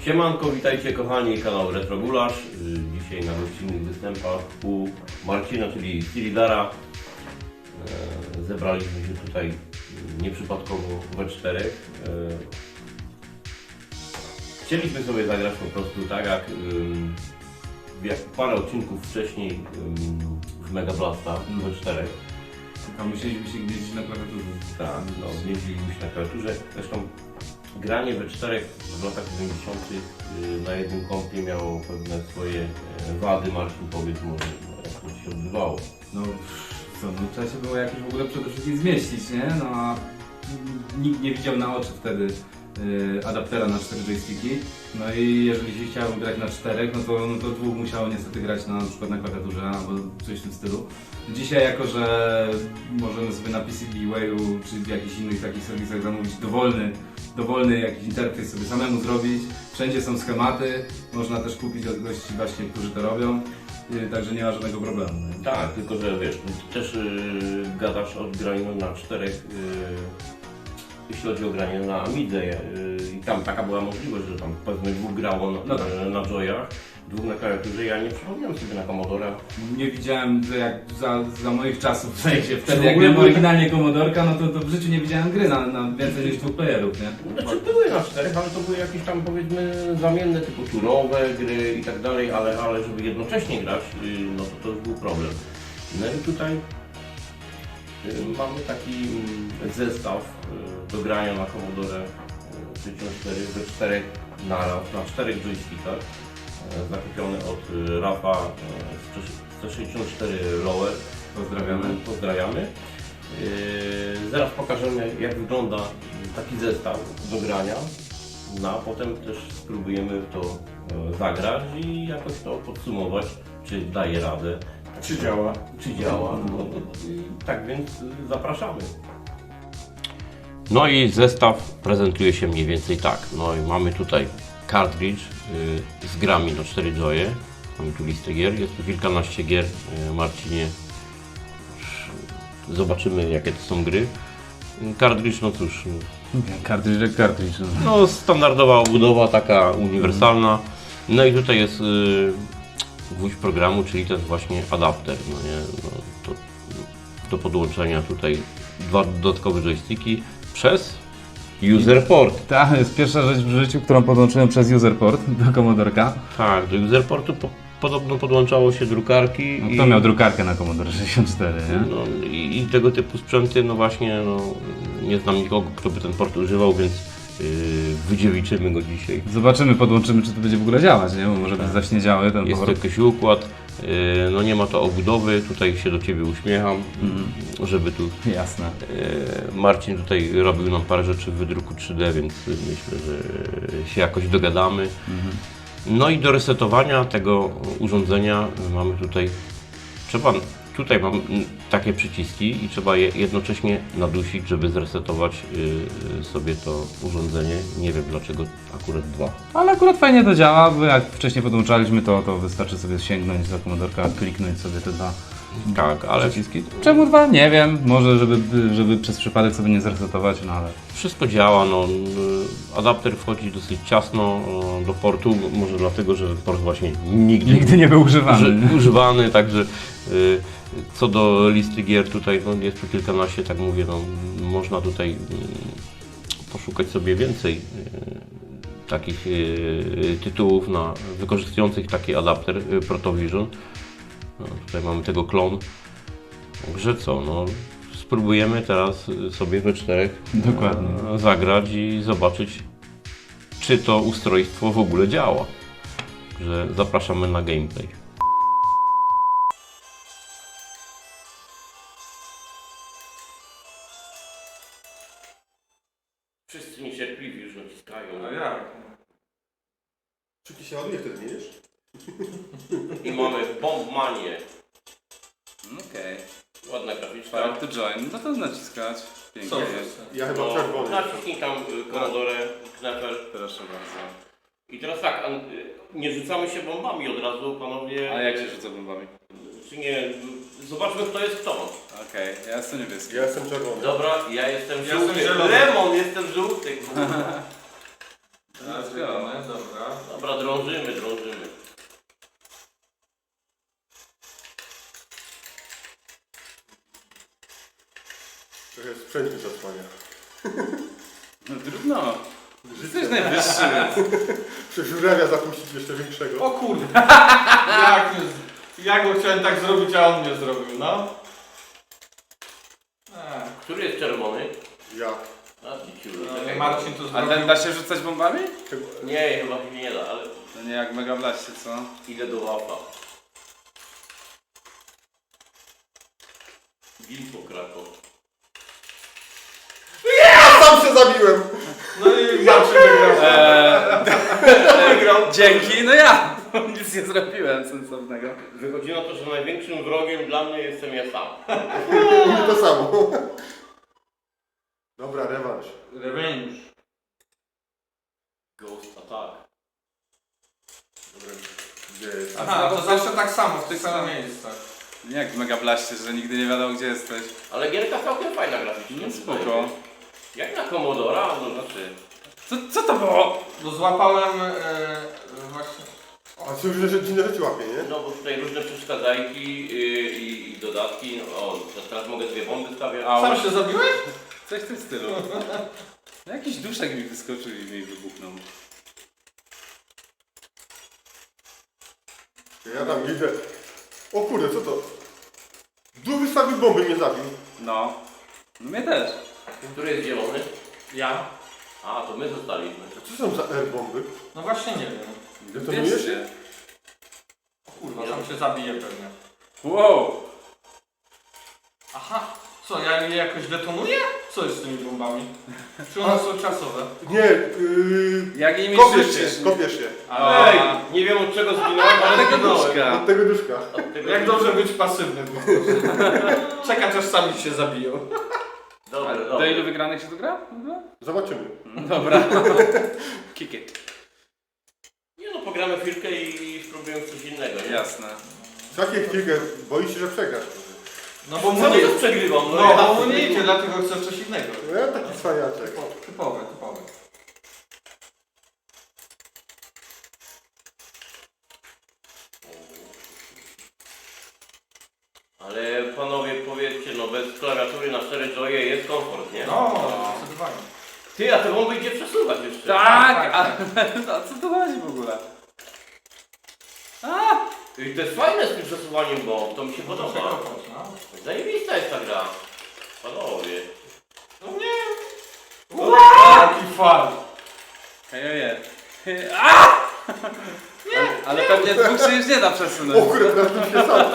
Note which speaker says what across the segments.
Speaker 1: Siemanko, witajcie kochani, kanał Retrogulasz. Dzisiaj na gościnnych występach u Marcina, czyli Silidara. Zebraliśmy się tutaj nieprzypadkowo we czterech. Chcieliśmy sobie zagrać po prostu tak jak parę odcinków wcześniej w Mega Blasta we czterech.
Speaker 2: A musieliśmy się gnieździć na klawiaturze.
Speaker 1: Tak, no, gnieździliśmy się na klawiaturze. Zresztą granie we czterech w latach 90. Na jednym kompie miało pewne swoje wady. Marcin, powiedz może, jak to się odbywało.
Speaker 2: No co, no trzeba się było jakoś w ogóle przede wszystkim zmieścić, nie? No a nikt nie widział na oczy wtedy adaptera na 4 joysticki. No i jeżeli się chciało grać na 4, no to dwóch musiało niestety grać na przykład na klawiaturze albo coś w tym stylu. Dzisiaj jako, że możemy sobie na PCBWayu czy w jakichś innych takich serwisach zamówić dowolny jakiś interfejs sobie samemu zrobić. Wszędzie są schematy, można też kupić od gości właśnie, którzy to robią. Także nie ma żadnego problemu. Nie?
Speaker 1: Tak, tylko że wiesz, ty też gadasz o graniu na czterech, jeśli chodzi o granie na Amidze i tam taka była możliwość, że tam powiedzmy dwóch grało na joyach, dwóch na klawiaturze. Ja nie przypomniałem sobie na Commodora.
Speaker 2: Nie widziałem, że jak za moich czasów, w sensie wtedy jak miałem oryginalnie Commodorka, no to w życiu nie widziałem gry na więcej niż 2 playerów, nie?
Speaker 1: Znaczy były na czterech, ale to były jakieś tam powiedzmy zamienne typu turowe gry i tak dalej, ale żeby jednocześnie grać, no to już był problem. No i tutaj mamy taki zestaw do grania na Commodore 64 we czterech naraz, na 4 joystickach, zakupiony od Rafa z C64 Lower. Pozdrawiamy. Zaraz pokażemy, jak wygląda taki zestaw do grania, no a potem też spróbujemy w to zagrać i jakoś to podsumować, czy daje radę.
Speaker 3: Czy działa?
Speaker 1: Czy działa. No, tak więc zapraszamy. No i zestaw prezentuje się mniej więcej tak. No i mamy tutaj cartridge z grami na 4 joye. Mamy tu listę gier, jest tu kilkanaście gier. Marcinie, zobaczymy jakie to są gry. Cartridge, no cóż.
Speaker 2: Cartridge jak cartridge.
Speaker 1: No standardowa obudowa, taka uniwersalna. No i tutaj jest gwóźdź programu, czyli ten właśnie adapter. No nie? No, to do podłączenia tutaj 2 dodatkowe joysticki przez userport.
Speaker 2: Tak, to jest pierwsza rzecz w życiu, którą podłączyłem przez userport do Commodorka.
Speaker 1: Tak, do userportu podobno podłączało się drukarki.
Speaker 2: No, kto miał drukarkę na Commodore 64, nie?
Speaker 1: No, i tego typu sprzęty, no właśnie, no, nie znam nikogo, kto by ten port używał, więc wydziewiczymy go dzisiaj.
Speaker 2: Zobaczymy, podłączymy, czy to będzie w ogóle działać, nie? Bo może być zaśniedziały ten
Speaker 1: Jest
Speaker 2: port.
Speaker 1: jakiś układ, no nie ma to obudowy, tutaj się do Ciebie uśmiecham, żeby tu
Speaker 2: Jasne.
Speaker 1: Marcin tutaj robił nam parę rzeczy w wydruku 3D, więc myślę, że się jakoś dogadamy. No i do resetowania tego urządzenia mamy tutaj mam takie przyciski i trzeba je jednocześnie nadusić, żeby zresetować sobie to urządzenie. Nie wiem dlaczego akurat 2.
Speaker 2: Ale akurat fajnie to działa, bo jak wcześniej podłączaliśmy to wystarczy sobie sięgnąć do Commodorka, kliknąć sobie te 2
Speaker 1: Tak, ale
Speaker 2: przyciski. Czemu 2? Nie wiem, może żeby przez przypadek sobie nie zresetować, no ale...
Speaker 1: wszystko działa. No, adapter wchodzi dosyć ciasno do portu, może dlatego, że port właśnie
Speaker 2: Nigdy nie był używany.
Speaker 1: Także co do listy gier tutaj no, jest tu kilkanaście, tak mówię, no, można tutaj poszukać sobie więcej takich tytułów wykorzystujących taki adapter Protovision. No, tutaj mamy tego klon. Także co, no, spróbujemy teraz sobie we czterech
Speaker 2: Dokładnie.
Speaker 1: Zagrać i zobaczyć, czy to ustrojstwo w ogóle działa. Także zapraszamy na gameplay. Wszyscy niecierpliwi już naciskają.
Speaker 3: A jak? Czuki się ładnie wtedy, wiesz?
Speaker 1: I mamy Bombmanię.
Speaker 4: Okej.
Speaker 1: Ładna graficzka.
Speaker 4: Start to join, no to naciskać. Pięknie
Speaker 3: Co?
Speaker 4: jest.
Speaker 3: Ja chyba czerwony.
Speaker 1: Naciśnij tam Commodore, Knapper.
Speaker 4: Proszę bardzo.
Speaker 1: I teraz tak, nie rzucamy się bombami od razu, panowie.
Speaker 4: A jak się rzuca bombami?
Speaker 1: Czy nie? Zobaczmy, kto jest kto.
Speaker 4: Okej, ja jestem niebieski.
Speaker 3: Ja jestem czerwony.
Speaker 1: Dobra, ja jestem
Speaker 3: Ja
Speaker 1: żółty.
Speaker 3: jestem zielony.
Speaker 1: Lemon, jestem żółty.
Speaker 4: Let's go.
Speaker 3: Dobra.
Speaker 1: Dobra, drążymy.
Speaker 3: Trochę sprzęt mi zasłania.
Speaker 4: No trudno. Jesteś najwyższy, więc...
Speaker 3: Przeżurawia zapuścić jeszcze większego.
Speaker 5: O kurde. Ja go chciałem tak zrobić, a on mnie zrobił, no.
Speaker 1: Który jest czerwony?
Speaker 3: Ja.
Speaker 1: A, Diciulu,
Speaker 5: No,
Speaker 1: czekaj.
Speaker 5: Marcin to
Speaker 4: A
Speaker 5: zrobił.
Speaker 4: ten da się rzucać bombami?
Speaker 1: Nie, chyba się nie da, ale
Speaker 4: To nie jak Mega Blaście, co?
Speaker 1: idę do łapa. Gilpo Krakow.
Speaker 3: Ja sam się zabiłem!
Speaker 5: No i Marcin wygrał.
Speaker 1: Wygrał.
Speaker 4: Dzięki, no ja! Nic nie zrobiłem sensownego.
Speaker 1: Wychodzi na to, że największym wrogiem dla mnie jestem ja sam.
Speaker 3: I to samo. Dobra, rewanż.
Speaker 5: Revenge.
Speaker 1: Ghost Attack.
Speaker 3: Dobra, gdzie jest?
Speaker 5: Aha, to zawsze tak samo, w tych samych miejscach.
Speaker 4: Nie jak w Mega Blaście, że nigdy nie wiadomo gdzie jesteś.
Speaker 1: Ale gierka całkiem fajna graficznie.
Speaker 4: No spoko.
Speaker 1: Jak na Commodora, no znaczy...
Speaker 4: Co to było?
Speaker 5: Bo złapałem właśnie...
Speaker 3: A co już że dziwne rzeczy łapie, nie?
Speaker 1: No bo tutaj różne przeszkadzajki i dodatki. No, o, teraz mogę dwie bomby stawiać.
Speaker 4: Au.
Speaker 5: Sam się zabiłeś?
Speaker 4: Coś w tym stylu. No, jakiś duszek mi wyskoczył i mi wybuchnął.
Speaker 3: Ja tam idę. O kurde, co to? Duch wystawił bomby, mnie zabił.
Speaker 4: No. No mnie też.
Speaker 1: Który jest zielony?
Speaker 5: Ja.
Speaker 1: A, to my zostaliśmy.
Speaker 3: A co są za R-bomby?
Speaker 5: No właśnie nie wiem.
Speaker 3: Detonujesz?
Speaker 4: Wiecie.
Speaker 5: Kurwa, sam się zabije pewnie.
Speaker 4: Wow.
Speaker 5: Aha. Co, ja je jakoś detonuję? Co jest z tymi bombami? Czy one są czasowe?
Speaker 3: Nie,
Speaker 4: Jak nimi
Speaker 3: kopiesz
Speaker 4: życzysz?
Speaker 3: się, kopiesz się.
Speaker 5: Ale...
Speaker 1: Ej, nie wiem od czego zginąłem, ale
Speaker 4: Tego
Speaker 1: zginąłem.
Speaker 4: duszka.
Speaker 3: Od tego duszka.
Speaker 1: Od tego
Speaker 5: Jak dobrze być pasywnym po prostu. Czekać aż sami się zabiją.
Speaker 1: Dobra,
Speaker 4: A
Speaker 1: dobra.
Speaker 4: do ilu wygranych się to gra? w ogóle?
Speaker 3: Zobaczymy.
Speaker 4: Dobra. Kick it.
Speaker 1: Nie no, pogramy chwilkę i spróbujemy coś innego, nie?
Speaker 4: Jasne.
Speaker 3: Za jakie chwilkę boisz się, że przegrasz.
Speaker 5: No bo mu
Speaker 1: Cały
Speaker 5: nie...
Speaker 1: czas przegrywam, no,
Speaker 5: No,
Speaker 1: ja.
Speaker 5: bo mu nie idzie, dlatego chcę coś innego.
Speaker 3: No ja taki cwaniaczek.
Speaker 5: Typowe.
Speaker 1: Ale panowie powiedzcie, no bez klawiatury na 4 joye jest komfort, nie?
Speaker 5: No, zdecydowanie.
Speaker 1: Ty, a te bomby idzie przesuwać jeszcze.
Speaker 4: Tak! A co to chodzi w ogóle?
Speaker 1: I to jest fajne z tym przesuwaniem bomb, to mi się podoba.
Speaker 5: Przekopać, no.
Speaker 1: Zajebista jest ta gra. Panowie.
Speaker 5: No nie! Jaki fart!
Speaker 4: Hejoje. Ale pewnie dwóch się już nie da
Speaker 3: O
Speaker 4: przesunąć.
Speaker 3: kurde, teraz tu się sam.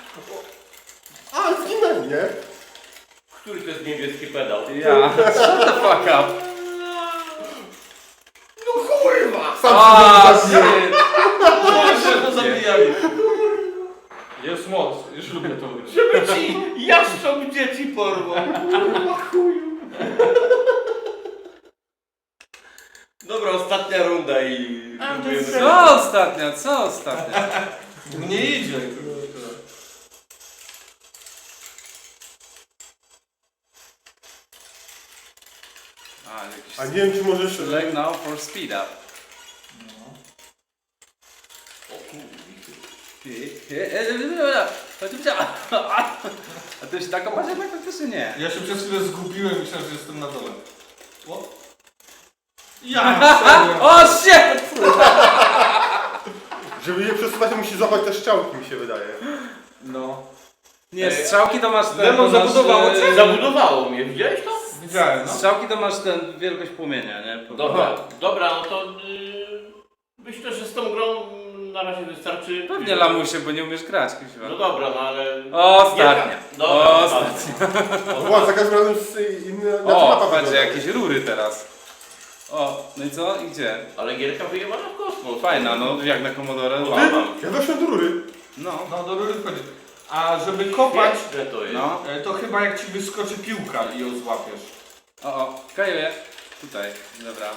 Speaker 3: A, zginęli, nie?
Speaker 1: Który to jest niebieski pedał?
Speaker 4: Ja. Shut the fuck up.
Speaker 1: No kurwa!
Speaker 3: Sam się zabiję.
Speaker 4: shit.
Speaker 5: No się to zabijali. Jest moc, już lubię to robić.
Speaker 1: Żeby ci jaszcząb dzieci porwał. Kurwa chuju. Dobra, ostatnia runda i...
Speaker 4: Co ostatnia? Co ostatnia?
Speaker 5: Mnie idzie.
Speaker 3: A nie wiem, czy możesz...
Speaker 4: Select now for speed up.
Speaker 1: O kurwa.
Speaker 4: A ty się tak opatrz, jak faktycznie nie.
Speaker 5: Ja się przez chwilę zgubiłem, myślałem, że jestem na dole. O? Ja serio.
Speaker 4: O shit!
Speaker 3: Żeby je przesuwać, to musi złapać te strzałki, mi się wydaje.
Speaker 5: No.
Speaker 4: Nie, strzałki to masz ten...
Speaker 5: Lemon
Speaker 4: to masz,
Speaker 5: zabudowało cię?
Speaker 1: Zabudowało mnie, widziałeś to?
Speaker 5: Widziałem, no.
Speaker 4: Strzałki to masz ten wielkość płomienia, nie?
Speaker 1: Dobra, no to myślę, że z tą grą na razie wystarczy.
Speaker 4: Pewnie lamusie, bo nie umiesz grać, kuźwa.
Speaker 1: No dobra, no ale...
Speaker 4: Ostatnia.
Speaker 1: Dobra,
Speaker 4: Ostatnia.
Speaker 3: Była za każdym razem z inny...
Speaker 4: O, patrz, jakieś rury teraz. O, no i co? I gdzie?
Speaker 1: Ale gierka wyjebana w kosmos.
Speaker 4: Fajna, no jak na Commodore.
Speaker 1: No,
Speaker 4: Wow.
Speaker 3: Ja doszłem do rury.
Speaker 4: No.
Speaker 5: No, do rury wchodzi. A żeby kopać,
Speaker 1: Że to jest.
Speaker 4: No.
Speaker 5: to chyba jak ci wyskoczy piłka i ją złapiesz.
Speaker 4: O, kajuję. Tutaj, dobra.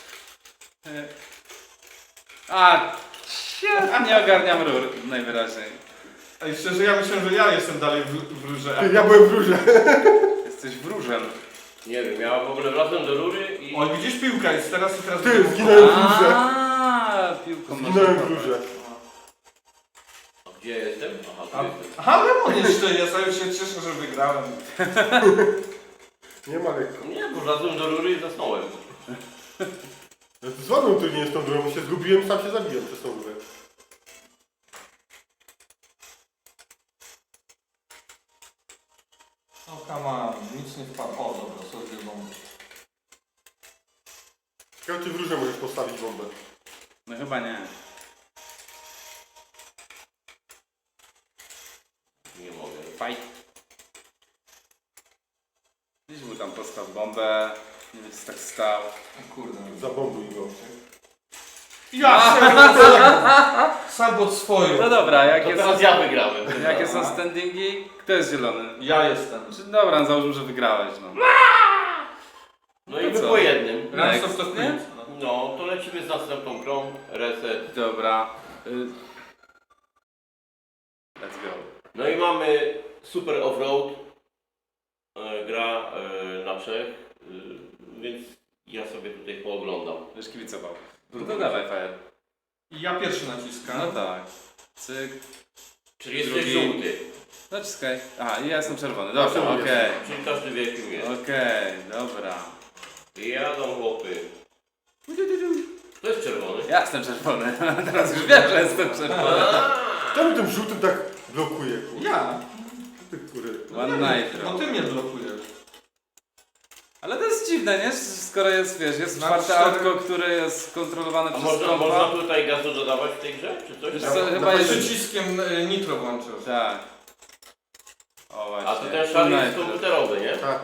Speaker 4: A, shit, nie ogarniam rur, najwyraźniej.
Speaker 5: Ej, szczerze, ja myślę, że ja jestem dalej w rurze.
Speaker 3: Ja byłem w rurze.
Speaker 4: Jesteś wróżem.
Speaker 1: Nie wiem, ja w ogóle wracam do rury i...
Speaker 5: O, widzisz, piłka jest teraz i teraz...
Speaker 3: Ty, zginąłem w rurze.
Speaker 2: Piłką
Speaker 3: Zginąłem w
Speaker 2: nożną.
Speaker 3: grze.
Speaker 1: A gdzie jestem? Aha, tu jestem.
Speaker 5: Aha, Lemon jeszcze jest, a już się cieszę, że wygrałem.
Speaker 3: Nie ma lekko.
Speaker 1: Nie, bo wlazłem do rury i zasnąłem.
Speaker 3: No to z ładną to nie jest tą drogą, się zgubiłem, sam się zabiłem przez tą rurę.
Speaker 5: O, come on, nic nie wpadło. O, dobra, sobie bombę.
Speaker 3: Ciekawe, czy w rurze możesz postawić bombę.
Speaker 2: No chyba nie.
Speaker 1: Nie mogę.
Speaker 2: Fight. Gdzieś był tam postaw bombę. Nie wiem, co tak stał.
Speaker 5: O kurde.
Speaker 3: Zabombuj go.
Speaker 5: Ja się Sabot swoją.
Speaker 2: No dobra,
Speaker 1: To
Speaker 2: jakie są,
Speaker 1: teraz ja wygrałem.
Speaker 2: jakie są standingi? Kto jest zielony?
Speaker 5: Ja jestem.
Speaker 2: Dobra, założył, że wygrałeś, no.
Speaker 1: No i
Speaker 2: To
Speaker 1: my
Speaker 2: co?
Speaker 1: po jednym.
Speaker 5: Rans of the
Speaker 2: Nie?
Speaker 5: Queens.
Speaker 1: No, to lecimy z następną grą. Reset.
Speaker 2: Dobra. Let's go.
Speaker 1: No i mamy Super Offroad. Gra na Czech. Więc ja sobie tutaj pooglądam.
Speaker 2: Będziesz kibicował. No to dawaj, Fire.
Speaker 5: I ja pierwszy naciskam.
Speaker 2: No tak. Cyk.
Speaker 1: Czyli jesteś
Speaker 2: Drugi.
Speaker 1: żółty.
Speaker 2: Naciskaj. Aha, i ja jestem czerwony. Dobra,
Speaker 3: Ja
Speaker 2: okej.
Speaker 1: Czyli każdy wie kim jest.
Speaker 2: Okej, dobra.
Speaker 1: Jadą chłopy. To jest czerwony.
Speaker 2: Ja jestem czerwony. Teraz już wiem, że jestem czerwony.
Speaker 3: Kto mi tym żółtym tak blokuje, kurde?
Speaker 5: Ja.
Speaker 3: Ty, kurde.
Speaker 2: One
Speaker 5: No
Speaker 2: Nitro.
Speaker 5: ty mnie blokujesz.
Speaker 2: Ale to jest dziwne, nie? Skoro jest, wiesz, jest
Speaker 5: Na
Speaker 2: czwarte
Speaker 5: cztery-
Speaker 2: autko, które jest kontrolowane
Speaker 1: A
Speaker 2: przez
Speaker 1: można
Speaker 2: kompa.
Speaker 1: tutaj gazu dodawać w tej grze? Czy coś?
Speaker 2: Wiesz
Speaker 3: Ja-
Speaker 2: co,
Speaker 3: na
Speaker 2: chyba jest...
Speaker 5: Przyciskiem nitro włączysz.
Speaker 2: Tak. O właśnie.
Speaker 1: A to ten szary jest
Speaker 2: Nitro.
Speaker 1: komputerowy, nie?
Speaker 3: Tak.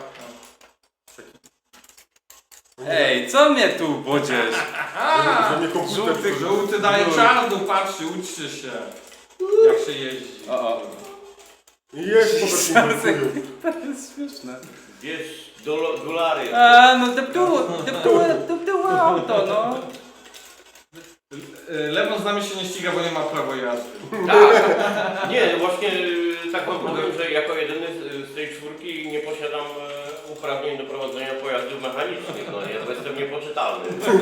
Speaker 2: Ej, co mnie tu bodziesz?
Speaker 3: Że mnie komputer...
Speaker 2: żółty
Speaker 3: że-
Speaker 5: Żółty daje
Speaker 2: Żółty.
Speaker 5: czarnu, patrzcie, uczcie się. Jak się jeździ.
Speaker 2: O.
Speaker 3: Jest po prostu blokują.
Speaker 2: To jest śmieszne.
Speaker 1: Wiesz, dolary.
Speaker 2: A, no deptuło auto, no.
Speaker 5: Lemon z nami się nie ściga, bo nie ma prawa jazdy.
Speaker 1: Tak. Nie, właśnie tak wam powiem, że jako jedyny z tej czwórki nie posiadam uprawnień do prowadzenia pojazdów mechanicznych, no nie, bo jestem niepoczytalny.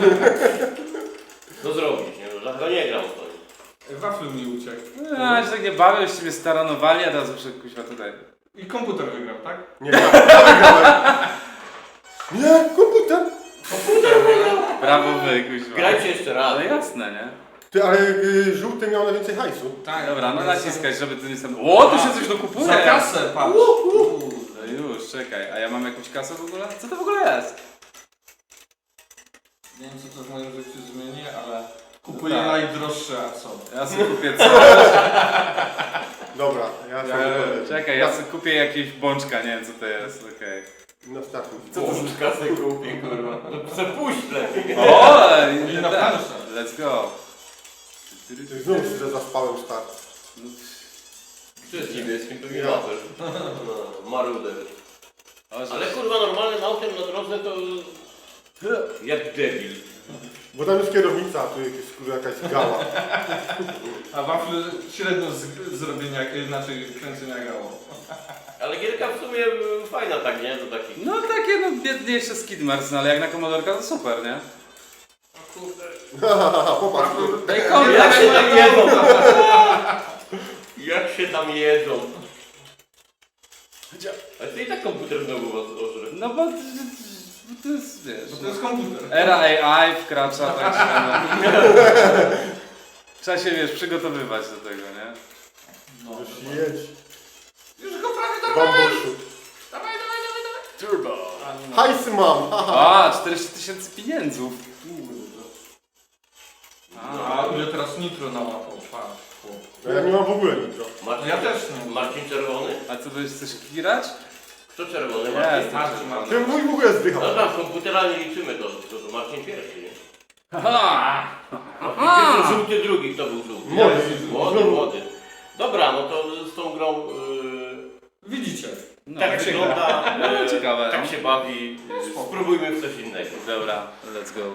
Speaker 1: Co zrobić, nie? No, dlatego nie gram w to.
Speaker 5: Waflu mi uciekł.
Speaker 2: A, się tak nie bawię, już mnie staranowali, a teraz muszę kuźwa tutaj.
Speaker 5: I komputer wygrał, tak?
Speaker 3: Nie, ja wygrałem. Nie, komputer.
Speaker 2: Brawo wy, kuźwa.
Speaker 1: Grajcie jeszcze raz.
Speaker 2: Ale jasne, nie?
Speaker 3: Ty, ale żółty miał najwięcej hajsu.
Speaker 5: Tak.
Speaker 2: Dobra, no naciskaj, żeby ty nie sam... O, tu się coś dokupuje!
Speaker 5: Za kasę, patrz.
Speaker 2: No już, czekaj, a ja mam jakąś kasę w ogóle? Co to w ogóle jest?
Speaker 5: Nie wiem, co to w moim życiu zmieni, ale kupuję
Speaker 2: Tak.
Speaker 5: najdroższe, a co?
Speaker 2: Ja sobie kupię coś.
Speaker 3: Dobra, ja sobie powiem.
Speaker 2: Czekaj, ja sobie kupię jakieś bączka, nie wiem co to jest, okej.
Speaker 3: Na startu.
Speaker 1: Co to z kasę kupi, kurwa? To se puść lepiej.
Speaker 2: O!
Speaker 5: I na planszę.
Speaker 2: Let's go.
Speaker 3: Znów się zaspałem start.
Speaker 1: To jest niebieskim, to nie
Speaker 3: Ja.
Speaker 1: mater. No, maruder.
Speaker 2: O,
Speaker 1: Ale kurwa normalnym autem na drodze to... Jak debil.
Speaker 3: Bo tam jest kierownica, a tu jest kurwa jakaś gała.
Speaker 5: A wafle średnio z zrobienia, inaczej kręcenia grało.
Speaker 1: Ale gierka w sumie fajna tak, nie? Do takich...
Speaker 2: No takie no biedniejsze Skidmars, no ale jak na komodorka to super, nie?
Speaker 5: O kurde.
Speaker 3: Popatrz.
Speaker 2: Daj
Speaker 1: Jak
Speaker 2: kontakt!
Speaker 1: się tam jedzą? Jak się tam jedzą? A ty i tak komputer znowu was ożre.
Speaker 2: No bo to jest, wiesz...
Speaker 5: Bo to jest komputer.
Speaker 2: Era AI wkracza, także no. Trzeba się, wiesz, przygotowywać do tego, nie?
Speaker 5: No.
Speaker 3: Już jedź.
Speaker 5: Już go prawie dorwałem.
Speaker 3: Bambuszu.
Speaker 5: Dawaj, dawaj, dawaj, dawaj.
Speaker 1: Turbo.
Speaker 3: Hajsy mam.
Speaker 2: A, 40 000 pieniędzów.
Speaker 5: A ile teraz nitro nałapał, patrz. chłop.
Speaker 3: No ja nie mam w ogóle nitro.
Speaker 1: Marcin,
Speaker 5: Ja też nie.
Speaker 1: Marcin czerwony?
Speaker 2: A co, będziesz coś kirać?
Speaker 1: Kto czerwony?
Speaker 2: Nie,
Speaker 1: Marcin?
Speaker 2: jestem czerwony.
Speaker 3: Ty mój w ogóle zdychał.
Speaker 1: No tam komputera nie liczymy, to Marcin pierwszy, nie?
Speaker 2: Aha!
Speaker 1: Marcin pierwszy, żółty drugi, kto był żółty?
Speaker 3: Młody.
Speaker 1: Młody. Dobra, no to z tą grą
Speaker 5: Widzicie.
Speaker 2: No,
Speaker 1: tak wygląda,
Speaker 2: No, ciekawe,
Speaker 1: tak
Speaker 2: no.
Speaker 1: się bawi. Spróbujmy w coś innego.
Speaker 2: Dobra, let's go.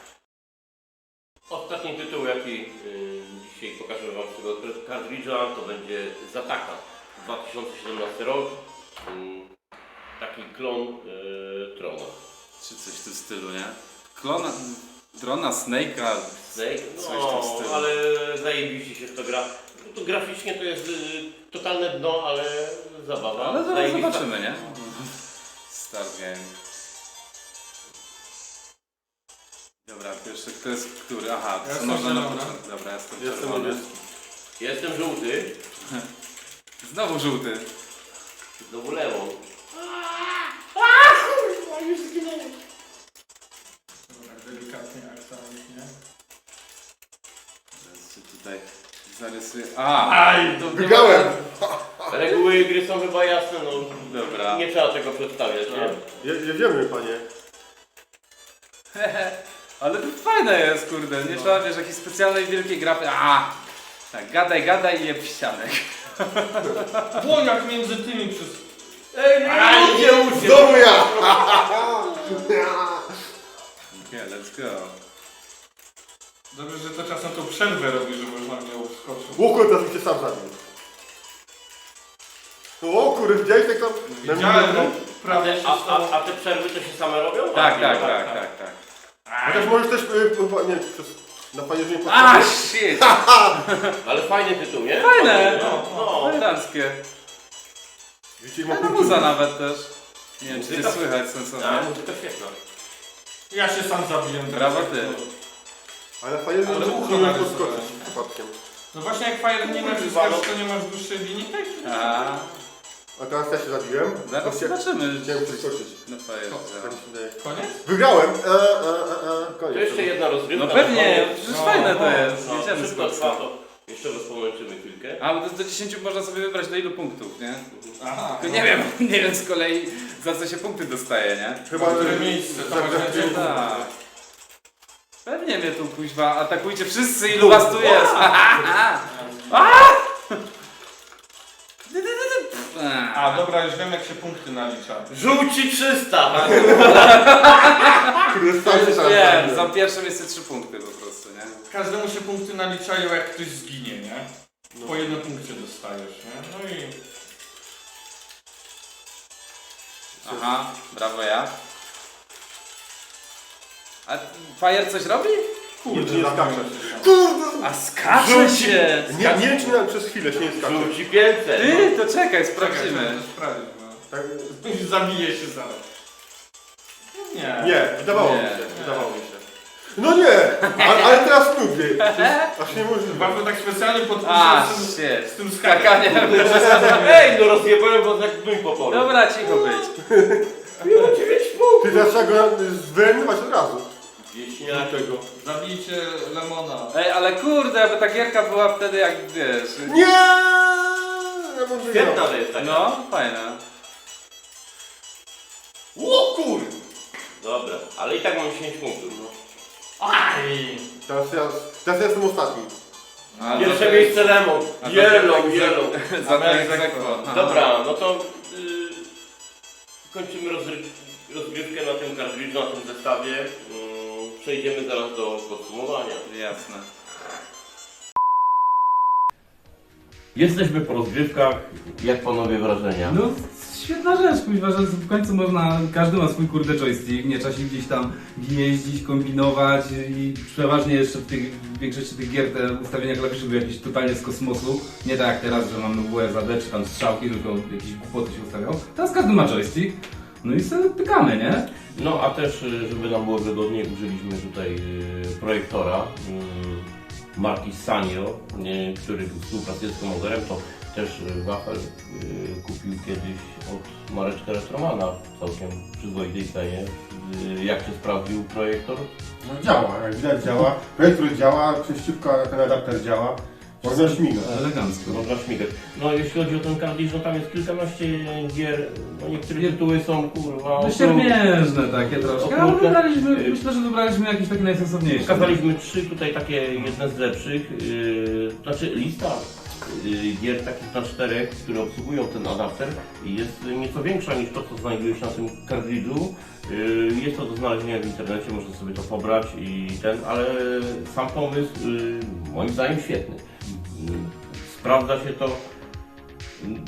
Speaker 1: Ostatni tytuł, jaki dzisiaj pokażę wam z tego kartridża, to będzie Zataka. 2017 rok. Taki klon Trona.
Speaker 2: Czy coś w tym stylu, nie? Klona...
Speaker 4: Drona, Snake'a,
Speaker 1: Snake?
Speaker 4: coś w tym
Speaker 1: No,
Speaker 4: stylu.
Speaker 1: ale zajebiście się w to gra. No to graficznie to jest totalne dno, ale zabawa.
Speaker 4: Ale zaraz
Speaker 1: Zajebista.
Speaker 4: zobaczymy, nie? Start game. Dobra, pierwszy, kto jest który? Aha,
Speaker 5: Ja
Speaker 4: co
Speaker 5: jestem
Speaker 4: można na
Speaker 5: zielony.
Speaker 4: początku. Dobra, jestem
Speaker 3: Jestem
Speaker 4: czerwony.
Speaker 3: niebieski.
Speaker 1: Jestem żółty.
Speaker 4: Znowu żółty.
Speaker 1: Znowu lewą.
Speaker 5: Tak delikatnie, akcentnie.
Speaker 4: Teraz się tutaj zarysuję. Aj! To nie
Speaker 3: Wygrałem!
Speaker 1: Reguły gry są chyba jasne, no.
Speaker 4: Dobra.
Speaker 1: Nie trzeba tego przedstawiać, nie?
Speaker 3: Jedziemy, panie.
Speaker 4: Ale to fajne jest, kurde. Nie trzeba, wiesz, jakiejś specjalnej wielkiej grafy. Tak, gadaj i jeb w ścianek.
Speaker 5: Było jak między tymi przez...
Speaker 1: Ej, nie ucie!
Speaker 3: Znowu ja!
Speaker 4: Okay, let's go.
Speaker 5: Dobrze, że to czasem tą przerwę robi, że można mnie uskoczyć.
Speaker 3: O kurde, teraz cię sam zabił. O kurde, widziałeś tak tam?
Speaker 5: Widziałem, no, prawie się stało.
Speaker 1: A te przerwy to się same robią?
Speaker 4: Tak.
Speaker 3: Chociaż możesz też, nie, na panie, że nie
Speaker 4: Shit!
Speaker 1: Ale fajny tytuł, nie?
Speaker 4: Fajne!
Speaker 1: No.
Speaker 4: Eleganckie.
Speaker 3: Widzicie,
Speaker 4: Fajna muza nawet też. Nie wiem, czy
Speaker 1: Muzyka-
Speaker 4: nie słychać
Speaker 1: A,
Speaker 4: sensownie.
Speaker 1: muzyka świetna.
Speaker 5: Ja się sam zabiłem.
Speaker 4: Brawo ty.
Speaker 3: Ale fajnie, że
Speaker 5: Ale
Speaker 3: nie
Speaker 5: ucho
Speaker 3: możesz
Speaker 5: narysowałem.
Speaker 3: podskoczyć przypadkiem.
Speaker 5: No właśnie jak Fire nie naciskasz, to nie masz dłuższej linii, tak?
Speaker 3: A teraz ja się zabiłem.
Speaker 4: Zaraz zobaczymy.
Speaker 3: Chciałem przeskoczyć.
Speaker 4: No
Speaker 3: Tak
Speaker 4: fajerze.
Speaker 3: mi się wydaje.
Speaker 5: Koniec?
Speaker 3: Wygrałem!
Speaker 1: To
Speaker 3: Koniec.
Speaker 1: jeszcze jedna rozgrywka.
Speaker 4: No pewnie,
Speaker 1: No,
Speaker 4: przecież
Speaker 5: no,
Speaker 4: fajne to
Speaker 5: no,
Speaker 4: jest.
Speaker 1: no,
Speaker 4: Jedziemy z
Speaker 1: szybko
Speaker 4: koksa.
Speaker 1: trwa to. Jeszcze raz pomęczymy chwilkę.
Speaker 4: A, bo to do 10 można sobie wybrać do ilu punktów, nie?
Speaker 5: Aha.
Speaker 4: Tylko nie wiem z kolei za co się punkty dostaje, nie?
Speaker 3: Chyba,
Speaker 5: Które miejsce, to masz więcej
Speaker 4: Tak. Pewnie mnie tu kuźwa, atakujcie wszyscy, ilu was tu jest!
Speaker 5: A dobra, już wiem jak się punkty nalicza.
Speaker 1: Żółci 300!
Speaker 3: Kurde, sam się sam
Speaker 4: Wiem,
Speaker 3: zabiłem.
Speaker 4: za pierwsze miejsce 3 punkty po prostu, nie?
Speaker 5: Każdemu się punkty naliczają jak ktoś zginie, nie? Po jednym punkcie dostajesz, nie? No i...
Speaker 4: Aha, brawo ja. A Fire coś robi?
Speaker 3: Kurde, nie skaczę.
Speaker 5: Kurde!
Speaker 4: A skacze się!
Speaker 3: Nie wiem, czy nawet przez chwilę się nie skacze.
Speaker 1: Żółci 500!
Speaker 4: Ty, to czekaj,
Speaker 5: Czekaj,
Speaker 4: sprawdzimy.
Speaker 5: sprawdzić, no.
Speaker 3: Tak?
Speaker 5: Zabije się zaraz. Nie.
Speaker 3: Nie, wydawało mi
Speaker 4: Nie.
Speaker 3: się. Wydawało mi się. No nie! Ale teraz lubię. Aż nie możliwe.
Speaker 5: Bardzo tak specjalnie
Speaker 4: A,
Speaker 5: podpisałem
Speaker 4: shit.
Speaker 5: z tym skakaniem.
Speaker 4: Skakanie.
Speaker 1: Ej, no rozjebałem was jak dym po polu.
Speaker 4: Dobra, cicho być.
Speaker 3: Ty teraz trzeba go wyeliminować od razu.
Speaker 1: Wieśniak.
Speaker 3: Tego.
Speaker 5: Zabijcie Lemona.
Speaker 4: Ej, ale kurde, aby ta gierka była wtedy jak wiesz.
Speaker 3: Nie! Ja mam
Speaker 1: Świetna to jest taka.
Speaker 4: No, fajna.
Speaker 1: O kur... Dobra, ale i tak mam 10 punktów. No.
Speaker 5: Aj!
Speaker 3: Teraz ja jestem ostatni.
Speaker 4: A,
Speaker 1: Pierwsze
Speaker 4: to-
Speaker 1: miejsce Lemon.
Speaker 4: a to-
Speaker 1: Yellow.
Speaker 4: Za to egzekwo.
Speaker 1: Dobra, no to kończymy rozgrywkę na tym kartridżu, na tym zestawie. Przejdziemy zaraz do podsumowania.
Speaker 4: Jasne.
Speaker 1: Jesteśmy po rozgrywkach. Jak panowie wrażenia?
Speaker 2: No, świetna rzecz, kuźwa, że w końcu można, każdy ma swój kurde joystick, nie trzeba się gdzieś tam gnieździć, kombinować i przeważnie jeszcze w większości tych gier te ustawienia klawiszy były jakieś totalnie z kosmosu, nie tak jak teraz, że mamy WSAD czy tam strzałki, tylko jakieś głupoty się ustawiał. Teraz każdy ma joystick, no i sobie pykamy, nie?
Speaker 1: No a też, żeby nam było wygodniej, użyliśmy tutaj projektora marki Sanyo, który współpracuje z Commodorem. To też Wafel kupił kiedyś od Mareczka Restromana w całkiem przyzwoitej cenie. Jak się sprawdził projektor?
Speaker 3: No działa, jak widać działa. Projektor działa, przejściówka, ten adapter działa. Można śmigać.
Speaker 2: Elegancko.
Speaker 1: Można śmigać. No jeśli chodzi o ten kartridż, no tam jest kilkanaście gier, no niektóre tytuły są kurwa...
Speaker 2: No siermiężne takie troszkę, ale
Speaker 1: Okrutne.
Speaker 2: myślę, że wybraliśmy jakieś takie najsensowniejsze.
Speaker 1: Pokazaliśmy 3 tutaj takie, jedne z lepszych, znaczy lista gier takich na 4, które obsługują ten adapter jest nieco większa niż to, co znajduje się na tym kartridżu. Jest to do znalezienia w internecie, można sobie to pobrać i ale sam pomysł moim zdaniem świetny. Sprawdza się to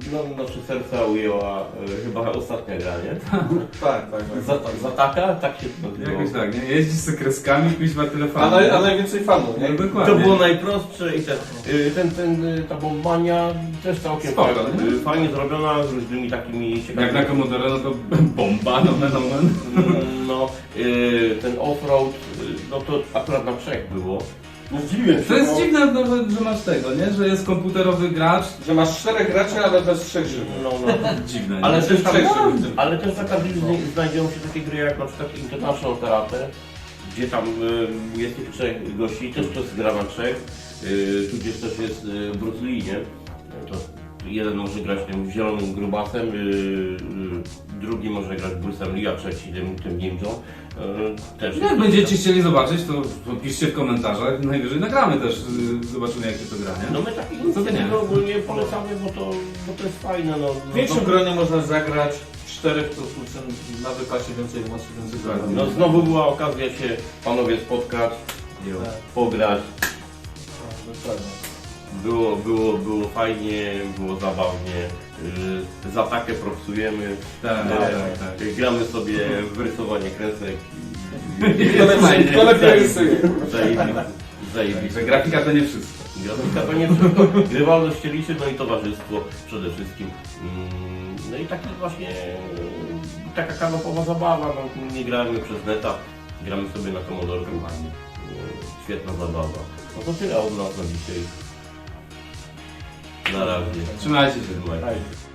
Speaker 1: nasze serca ujęła chyba ostatnia gra, nie?
Speaker 5: Tak.
Speaker 1: Zataka? Tak się to nazywało.
Speaker 2: Jakoś tak, nie? Jeździsz z kreskami, kuźwa tyle
Speaker 5: A,
Speaker 2: fanów.
Speaker 5: a najwięcej fanów, nie?
Speaker 2: No
Speaker 1: To
Speaker 2: dokładnie.
Speaker 1: było najprostsze i ta bombania też całkiem
Speaker 2: Spoko,
Speaker 1: fajnie zrobiona, z różnymi takimi
Speaker 2: Jak
Speaker 1: ciekawymi...
Speaker 2: na Commodore, no to bomba, no.
Speaker 1: No, ten offroad, no to akurat na trzech było.
Speaker 3: No zdziwiłem się,
Speaker 2: To jest
Speaker 3: bo-
Speaker 2: dziwne, no, że masz tego, nie? Że jest komputerowy gracz.
Speaker 5: Że masz 4 graczy, ale bez 3 żywych.
Speaker 1: No.
Speaker 2: Dziwne, nie?
Speaker 1: Ale też tam,
Speaker 5: Trzech żywych.
Speaker 1: ale też za każdym znajdują się takie gry jak na przykład International Karate, gdzie tam jest tych 3 gości, też to jest gra na 3, tudzież też jest Bruce Lee, nie? To jeden może grać tym zielonym grubasem, drugi może grać Bruce'em Lee, a trzeci tym ninją. Też
Speaker 2: Jak będziecie chcieli zobaczyć, to piszcie w komentarzach. Najwyżej nagramy też, zobaczymy jak się to gra, nie?
Speaker 1: No my takie
Speaker 2: Co ty nie?
Speaker 1: inicjatywy ogólnie polecamy, bo to jest fajne. No,
Speaker 5: W większym gronie można zagrać, 4 to słuchaj, na wypasie więcej emocji, więcej zabawy.
Speaker 1: no znowu była okazja się panowie spotkać, pograć.
Speaker 5: Dokładnie.
Speaker 1: Było fajnie, było zabawnie. Za takę propsujemy.
Speaker 2: Tak.
Speaker 1: Gramy sobie w rysowanie kresek.
Speaker 5: Kto lepiej rysuje?
Speaker 1: Zajebiście.
Speaker 2: Że grafika to nie wszystko.
Speaker 1: Grafika to nie wszystko. Grywalność się liczy, no i towarzystwo przede wszystkim. No i taki właśnie taka kanopowa zabawa. No, nie gramy przez neta, gramy sobie na Commodore. Świetna zabawa. No to tyle od nas na dzisiaj. Na razie.
Speaker 2: Trzymajcie się.
Speaker 1: Trzymajcie się.